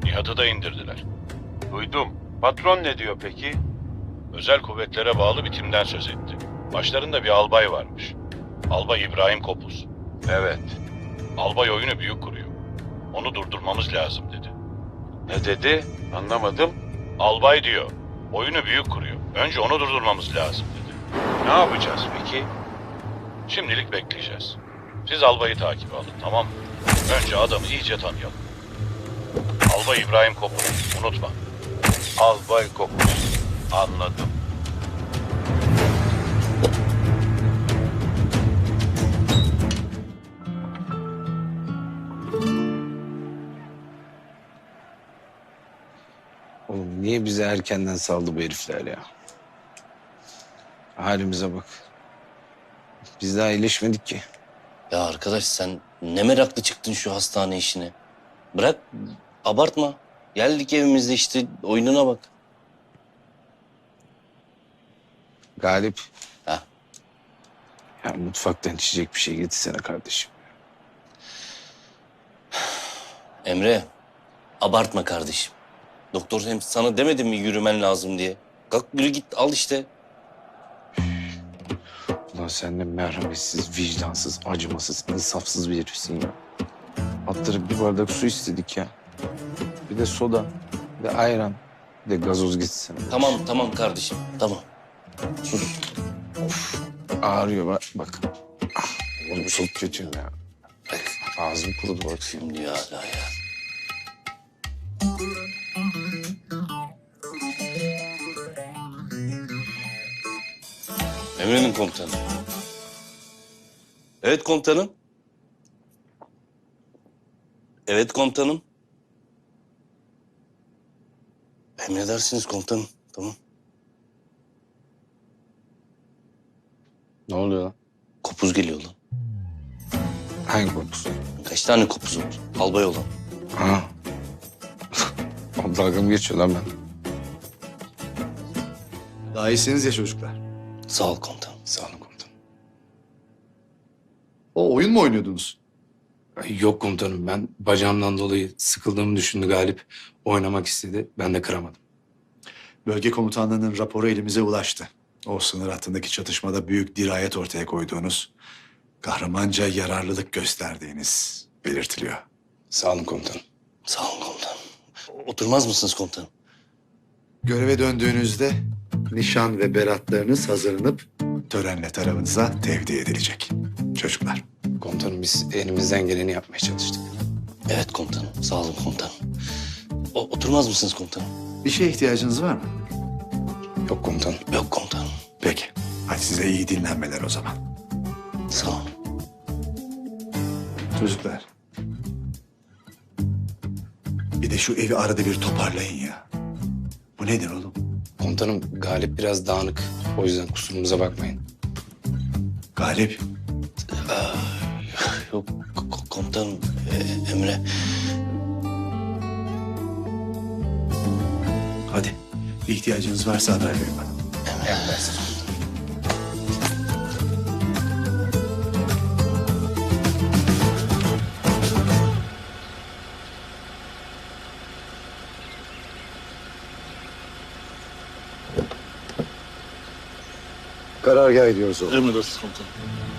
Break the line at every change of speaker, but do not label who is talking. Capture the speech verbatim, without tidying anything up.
Nihat'ı da indirdiler.
Duydum. Patron ne diyor peki?
Özel kuvvetlere bağlı bir timden söz etti. Başlarında bir albay varmış. Albay İbrahim Kopuz.
Evet.
Albay oyunu büyük kuruyor. Onu durdurmamız lazım dedi.
Ne dedi? Anlamadım.
Albay diyor, oyunu büyük kuruyor. Önce onu durdurmamız lazım dedi.
Ne yapacağız peki?
Şimdilik bekleyeceğiz. Siz albayı takip alın, tamam mı? Önce adamı iyice tanıyalım. Albay İbrahim Kopuz, unutma.
Albay Kopuz. Anladım.
Oğlum niye bizi erkenden saldı bu herifler ya? Halimize bak. Biz daha iyileşmedik ki.
Ya arkadaş sen ne meraklı çıktın şu hastane işine. Bırak, abartma. Geldik evimizde işte oyununa bak.
Galip.
Ha.
Ya mutfaktan içecek bir şey getirsene kardeşim.
Emre, abartma kardeşim. Doktor hem sana demedi mi yürümen lazım diye. Kalk yürü git al işte.
Ulan sen de merhametsiz, vicdansız, acımasız, insafsız bir herifsin ya. Attırıp bir bardak su istedik ya. Bir de soda, bir de ayran, bir de gazoz getirsene.
Tamam tamam kardeşim tamam. Sus.
Ağrıyor bak. bak. Ah, oğlum çok kötüyüm ya. Ağzım kurudu bak.
Şimdi ya hala ya. Emre'nin komutanı. Evet komutanım. Evet komutanım. Emredersiniz komutanım. Tamam.
Ne oluyor lan?
Kopuz geliyor lan.
Hangi kopuz?
Kaç tane kopuz var? Albay olan.
Ha. O dalga mı geçiyor lan ben?
Daha iyisiniz ya çocuklar.
Sağ ol komutanım.
Sağ olun komutanım.
O oyun mu oynuyordunuz?
Ay, yok komutanım, ben bacağımdan dolayı sıkıldığımı düşündü Galip. Oynamak istedi, ben de kıramadım.
Bölge komutanlığının raporu elimize ulaştı. O sınır hattındaki çatışmada büyük dirayet ortaya koyduğunuz, kahramanca yararlılık gösterdiğiniz belirtiliyor.
Sağ olun komutanım.
Sağ olun komutanım. Oturmaz mısınız komutanım?
Göreve döndüğünüzde nişan ve beratlarınız hazırlanıp törenle tarafınıza tevdi edilecek. Çocuklar.
Komutanım biz elimizden geleni yapmaya çalıştık.
Evet komutanım. Sağ olun komutanım. O, oturmaz mısınız komutanım?
Bir şeye ihtiyacınız var mı?
Yok komutanım.
Yok komutanım.
Peki. Hadi size iyi dinlenmeler o zaman.
Sağ olun.
Çocuklar. Bir de şu evi arada bir toparlayın ya. Bu nedir oğlum?
Komutanım Galip biraz dağınık. O yüzden kusurumuza bakmayın.
Galip.
Yok ko- komutanım e, Emre.
Hadi. Bir ihtiyacınız varsa haber verin bana.
Emredersiniz.
Karargaha gidiyoruz oğlum.
Emredersiniz komutanım.